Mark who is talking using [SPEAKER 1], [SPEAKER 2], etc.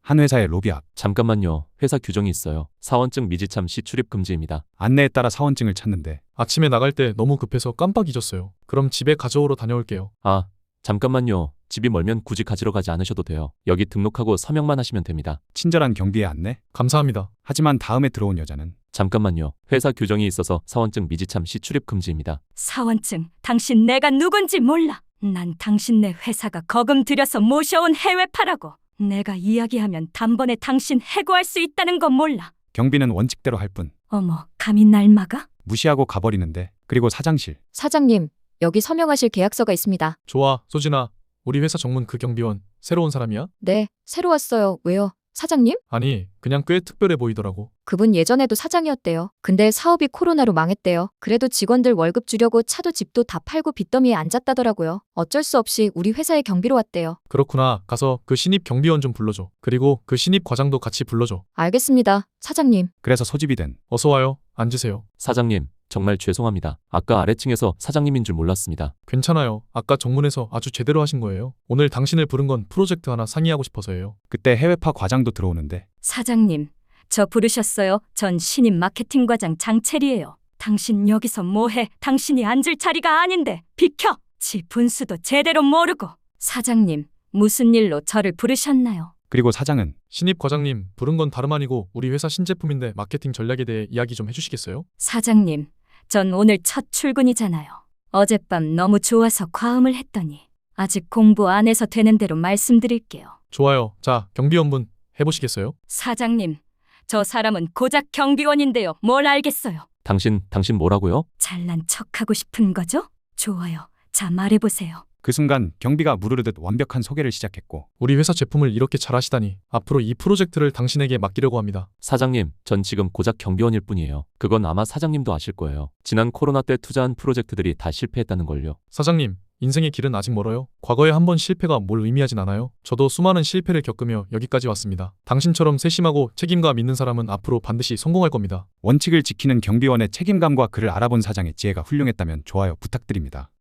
[SPEAKER 1] 한 회사의 로비 앞.
[SPEAKER 2] 잠깐만요. 회사 규정이 있어요. 사원증 미지참 시 출입 금지입니다.
[SPEAKER 1] 안내에 따라 사원증을 찾는데
[SPEAKER 3] 아침에 나갈 때 너무 급해서 깜빡 잊었어요. 그럼 집에 가져오러 다녀올게요.
[SPEAKER 2] 아, 잠깐만요. 집이 멀면 굳이 가지러 가지 않으셔도 돼요. 여기 등록하고 서명만 하시면 됩니다.
[SPEAKER 1] 친절한 경비의 안내?
[SPEAKER 3] 감사합니다.
[SPEAKER 1] 하지만 다음에 들어온 여자는
[SPEAKER 2] 잠깐만요. 회사 규정이 있어서 사원증 미지참 시 출입 금지입니다.
[SPEAKER 4] 사원증, 당신 내가 누군지 몰라. 난 당신네 회사가 거금 들여서 모셔온 해외파라고. 내가 이야기하면 단번에 당신 해고할 수 있다는 건 몰라.
[SPEAKER 1] 경비는 원칙대로 할 뿐.
[SPEAKER 4] 어머, 감히 날 막아?
[SPEAKER 1] 무시하고 가버리는데. 그리고 사장실.
[SPEAKER 5] 사장님, 여기 서명하실 계약서가 있습니다.
[SPEAKER 3] 좋아, 소진아. 우리 회사 정문 그 경비원 새로 온 사람이야?
[SPEAKER 5] 네, 새로 왔어요. 왜요? 사장님?
[SPEAKER 3] 아니, 그냥 꽤 특별해 보이더라고.
[SPEAKER 5] 그분 예전에도 사장이었대요. 근데 사업이 코로나로 망했대요. 그래도 직원들 월급 주려고 차도 집도 다 팔고 빚더미에 앉았다더라고요. 어쩔 수 없이 우리 회사에 경비로 왔대요.
[SPEAKER 3] 그렇구나. 가서 그 신입 경비원 좀 불러줘. 그리고 그 신입 과장도 같이 불러줘.
[SPEAKER 5] 알겠습니다, 사장님.
[SPEAKER 1] 그래서 소집이 된.
[SPEAKER 3] 어서 와요. 앉으세요.
[SPEAKER 2] 사장님, 정말 죄송합니다. 아까 아래층에서 사장님인 줄 몰랐습니다.
[SPEAKER 3] 괜찮아요. 아까 정문에서 아주 제대로 하신 거예요. 오늘 당신을 부른 건 프로젝트 하나 상의하고 싶어서예요.
[SPEAKER 1] 그때 해외파 과장도 들어오는데
[SPEAKER 4] 사장님, 저 부르셨어요? 전 신입 마케팅 과장 장채리예요. 당신 여기서 뭐해? 당신이 앉을 자리가 아닌데. 비켜! 지 분수도 제대로 모르고. 사장님, 무슨 일로 저를 부르셨나요?
[SPEAKER 1] 그리고 사장은
[SPEAKER 3] 신입 과장님, 부른 건 다름 아니고 우리 회사 신제품인데 마케팅 전략에 대해 이야기 좀 해주시겠어요?
[SPEAKER 4] 사장님, 전 오늘 첫 출근이잖아요. 어젯밤 너무 좋아서 과음을 했더니 아직 공부 안 해서 되는 대로 말씀드릴게요.
[SPEAKER 3] 좋아요. 자, 경비원분 해보시겠어요?
[SPEAKER 4] 사장님, 저 사람은 고작 경비원인데요. 뭘 알겠어요?
[SPEAKER 2] 당신 뭐라고요?
[SPEAKER 4] 잘난 척하고 싶은 거죠? 좋아요. 자, 말해보세요.
[SPEAKER 1] 그 순간 경비가 무르르듯 완벽한 소개를 시작했고
[SPEAKER 3] 우리 회사 제품을 이렇게 잘하시다니 앞으로 이 프로젝트를 당신에게 맡기려고 합니다.
[SPEAKER 2] 사장님, 전 지금 고작 경비원일 뿐이에요. 그건 아마 사장님도 아실 거예요. 지난 코로나 때 투자한 프로젝트들이 다 실패했다는 걸요.
[SPEAKER 3] 사장님, 인생의 길은 아직 멀어요. 과거에 한 번 실패가 뭘 의미하진 않아요. 저도 수많은 실패를 겪으며 여기까지 왔습니다. 당신처럼 세심하고 책임감 있는 사람은 앞으로 반드시 성공할 겁니다.
[SPEAKER 1] 원칙을 지키는 경비원의 책임감과 그를 알아본 사장의 지혜가 훌륭했다면 좋아요 부탁드립니다.